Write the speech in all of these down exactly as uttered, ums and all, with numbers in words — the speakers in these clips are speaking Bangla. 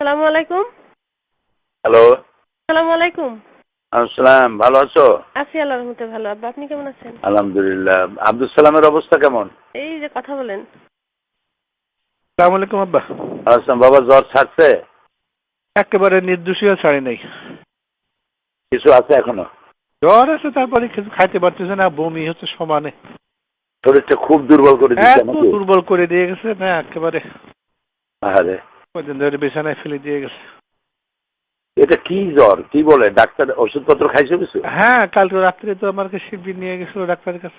আসসালামু আলাইকুম। হ্যালো। আসসালামু আলাইকুম। আসসালাম, ভালো আছো? আছি আল্লাহর রহমতে ভালো। আব্বা আপনি কেমন আছেন? আলহামদুলিল্লাহ। আব্দুল সালামের অবস্থা কেমন? এই যে কথা বলেন। আসসালামু আলাইকুম আব্বা। আসসালাম। বাবা জ্বর ছাড়ছে? একেবারে নির্দোষীয় ছাড়ি নাই। কিছু আছে এখনো? জ্বর আছে, তারপরে কিছু খাইতে পারতেছে না, বমি হচ্ছে সমানে। শরীরটা খুব দুর্বল করে দিচ্ছে এত নাকি? দুর্বল করে দিয়ে গেছে না একেবারে। আরে কদিন ধরে বিছানায় ফেলে দিয়ে গেছে। এটা কি জ্বর? কি বলে ডাক্তার? ওষুধপত্র খাইছো কিছু? হ্যাঁ, কালকে রাত্রে তো আমাকে শিবির নিয়ে গেছিল ডাক্তারের কাছে।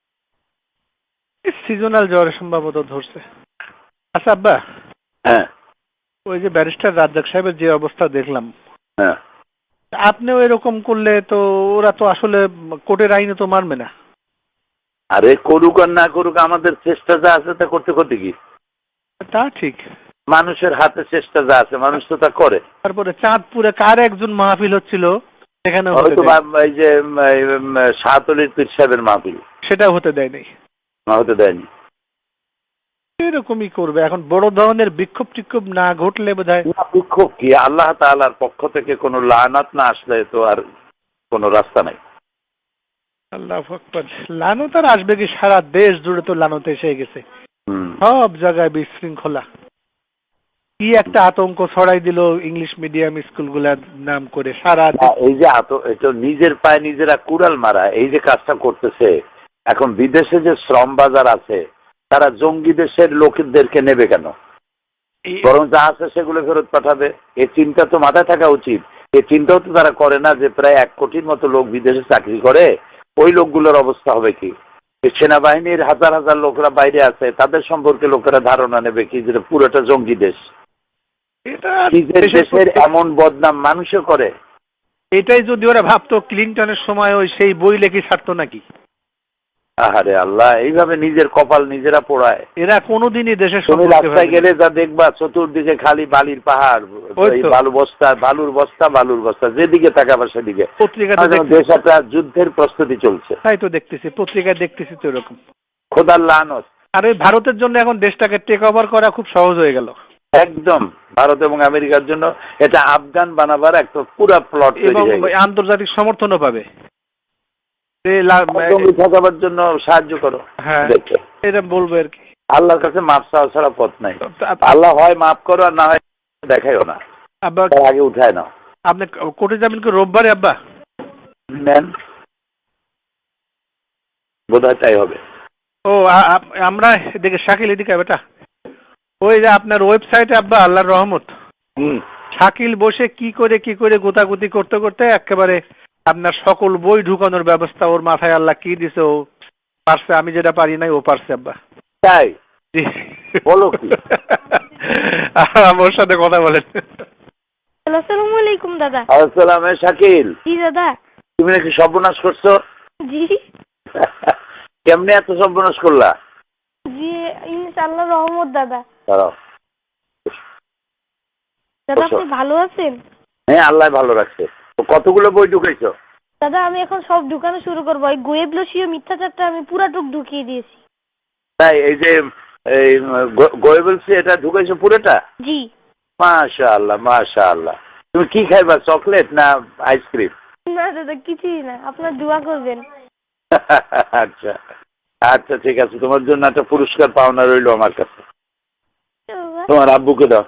সিজনাল জ্বর সম্ভবত ধরছে। আচ্ছা আব্বা, হ্যাঁ ওই যে ব্যারিস্টার রাজ্জাক সাহেবের যে অবস্থা দেখলাম, হ্যাঁ। আপনিও এরকম করলে তো ওরা তো আসলে কোর্টের আইনে তো মানবে না। আরে করুক আর না করুক, আমাদের চেষ্টা যা আছে তা করতে করতে কি? তা ঠিক। মানুষের হাতে চেষ্টা যা আছে মানুষ তো তা করে। তারপরে চাঁদপুরে কার একজন মাহফিল হচ্ছিল, সেখানে হয়তো এই যে শাহতলির পীর সাহেবের মাহফিল, সেটাও হতে দেয় নাই। না হতে দেয়নি। এরকমই করবে এখন, বড় ধরনের বিক্ষোভ টিক্ষোভ না ঘটলে বোধহয়। বিক্ষোভ কি? আল্লাহ তাআলার পক্ষ থেকে কোনো লানাত না আসলে তো আর কোনো রাস্তা নাই। আল্লাহু আকবার। লানত আর আসবে কি? সারা দেশ জুড়ে তো লানত এসে গেছে, হুম। সব জায়গায় বিশৃঙ্খলা। কি একটা আতঙ্ক ছড়াই দিল ইংলিশ মিডিয়াম স্কুলগুলার নাম করে সারা। এই যে আত এটা নিজের পায়ে নিজেরা কুড়াল মারা, এই যে কাজটা করতেছে। এখন বিদেশে যে শ্রম বাজার আছে, তারা জঙ্গি দেশের লোকদেরকে নেবে কেন? বরং যা আছে সেগুলো ফেরত পাঠাবে। এই চিন্তা তো মাথায় থাকা উচিত। এই চিন্তাও তো তারা করে না যে প্রায় এক কোটির মতো লোক বিদেশে চাকরি করে, ওই লোকগুলোর অবস্থা হবে কি? সেনাবাহিনীর হাজার হাজার লোকরা বাইরে আছে, তাদের সম্পর্কে লোকেরা ধারণা নেবে কি যে পুরোটা জঙ্গি দেশ। নিজের দেশের এমন বদনাম মানুষও করে। এটাই যদি ওরা ভাবতো ক্লিনটনের সময় ওই সেই বই লেখি ছাড়তো নাকি? আহারে আল্লাহ, এইভাবে নিজের কপাল নিজেরা পোড়ায়। এরা কোনোদিনই দেশের তুমি রাস্তায় গেলে যা দেখবা চতুর্দিকে খালি বালির পাহাড়, বালু বস্তা, বালুর বস্তা, বালুর বস্তা, যেদিকে তাকাবা সেদিকে। পত্রিকাতে দেশ একটা যুদ্ধের প্রস্তুতি চলছে। তাই তো দেখতেছি, পত্রিকায় দেখতেছি তো এরকম। খোদার লানত। আর ওই ভারতের জন্য এখন দেশটাকে টেক ওভার করা খুব সহজ হয়ে গেল। একদম ভারত এবং আমেরিকার জন্য এটা আফগান বানাবার একটা পুরা প্লট এবং আন্তর্জাতিক সমর্থনও পাবে। ঠকাবার জন্য সাহায্য করো। হ্যাঁ, এটা বলবো আর কি। আল্লাহর কাছে মাপ চাওয়া ছাড়া পথ নাই। আল্লাহ হয় মাফ করো আর না হয় দেখাইও না। আব্বা আগে উঠায় নাও। আপনি কোর্টে যাবেন কি রোববারে আব্বা? নেন, বোধহয় তাই হবে। ও আমরা এদিকে শাকিল এদিকে বেটা, ওই যে আপনার ওয়েবসাইটে আব্বা আল্লাহর রহমত, শাকিল বসে কি করে কি করে গোতাগুতি করতে করতে একেবারে আপনার সকল বই ঢুকানোর ব্যবস্থা ওর মাথায় আল্লাহ কি দিছে, ও পারছে। আমি যেটা পারি নাই ও পারছে আব্বা। তাই বলো কি? আমার সাথে কথা বলেন। আসসালামু আলাইকুম দাদা। আসসালাম। শাকিল, জি দাদা। তুমি নাকি সর্বনাশ করছো? জি। কেমনে এত সর্বনাশ করলা? জি ইনশাআল্লাহ রহমত দাদা। দাঁড়াও। দাদা আপনি ভালো আছেন? হ্যাঁ, আল্লাহ ভালো রাখছে। তো কতগুলো বই ঢুকাইছো? দাদা আমি এখন সব ঢুকানো শুরু করবো। ওই গোয়েবলসীয় মিথ্যাচারটা আমি পুরাটুক ঢুকিয়ে দিয়েছি। তাই এই যে এই গোয়েবলসি এটা ঢুকাইছো পুরোটা? জি। মাশাআল্লাহ মাশাআল্লাহ। তুমি কি খাইবা, চকলেট না আইসক্রিম? না দাদা কিছুই না, আপনার দোয়া করবেন। আচ্ছা আচ্ছা ঠিক আছে, তোমার জন্য একটা পুরস্কার পাওনা রইলো আমার কাছে। তোমার আব্বুকে দাও।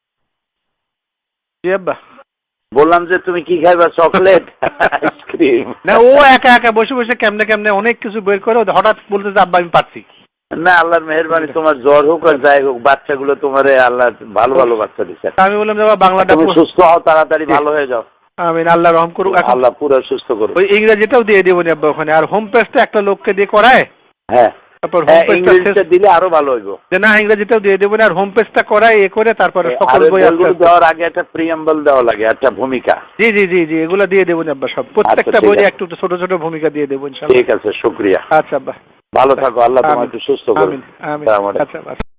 জি আব্বা। বললাম যে তুমি কি খাইবা, চকলেট আইসক্রিম? না, ও একা একা বসে বসে কেমনে কেমনে অনেক কিছু বের করে হঠাৎ বলতে যে আব্বা আমি পারছি না। আল্লাহর মেহেরবানি, তোমার জ্বর হোক আর যাই হোক, বাচ্চাগুলো তোমারে আল্লাহ ভালো ভালো বাচ্চা দিচ্ছে। আমি বললাম যে বাংলাটা তুমি সুস্থ হও, তাড়াতাড়ি ভালো হয়ে যাও। আমিন, আল্লাহ রহম করুক। আল্লাহ পুরো সুস্থ করুক। ওই ইংরেজিটাও দিয়ে দেবো আব্বা ওখানে। আর হোম পেজটা একটা লোককে দিয়ে করায়। হ্যাঁ, তারপর ইংরেজিটা দিলে আরো ভালো হইব। না, ইংরেজিটাও দিয়ে দেবো না, আর হোম পেজটা করায় এ করে তারপরে সকল বই দেওয়ার আগে একটা প্রিয়াম্বল দেওয়া লাগে, একটা ভূমিকা। জি জি জি জি এগুলো দিয়ে দেবো আব্বা সব, প্রত্যেকটা বইয়ে একটু ছোট ছোট ভূমিকা দিয়ে দেবো ইনশাআল্লাহ। ঠিক আছে, শুকরিয়া। আচ্ছা আব্বা, ভালো থাকো। আল্লাহ তোমাকে সুস্থ করুন। আমিন আমিন। আচ্ছা।